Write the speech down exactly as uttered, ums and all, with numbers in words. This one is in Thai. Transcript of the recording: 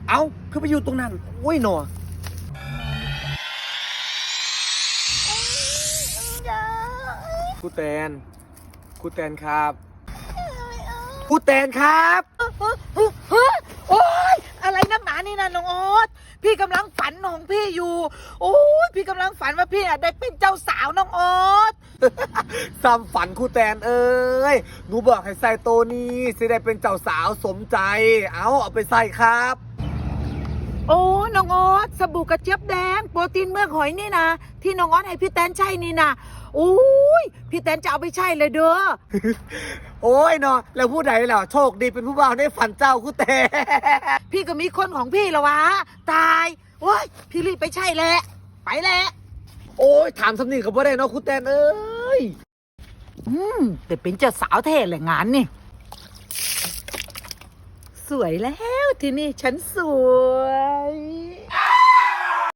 เอ้าคือไปอยู่ตรงนั้นโอ้ยหนอครูแตนครูแตนครับครูแตนครับโอ๊ยอะไรนักหนานี่นะน้องโอ๊ตพี่กำลังฝันของพี่อยู่โอ้ยพี่กำลังฝันว่าพี่ได้เป็นเจ้าสาวน้องโอ๊ตซ้ำฝันครูแตนเอ้ยหนูบอกให้ใส่โตนี้สิได้เป็นเจ้าสาวสมใจเอาเอาไปใส่ครับโอ้น้องโอ๊ตสบู่กระเจี๊ยบแดงโปรตีนเมือกหอยนี่นะที่น้องโอ๊ตให้พี่แตนใช่นี่นะโอ้ยพี่แตนจะเอาไปใช่เลยเด้อโอ้ยเนาะแล้วผู้ใดล่ะโชคดีเป็นผู้บ่าวในฝันเจ้าครูแตนพี่ก็มีคนของพี่แล้ววะตายโอ้ยพี่รีบไปใช่แหละไปแหละโอ้ยถามสำนีกับว่าได้เนาะครูแตนเอ้ยอืมแต่เป็นเจ้าสาวเท่แหละงานนี่สวยแล้วทีนี้ฉันสว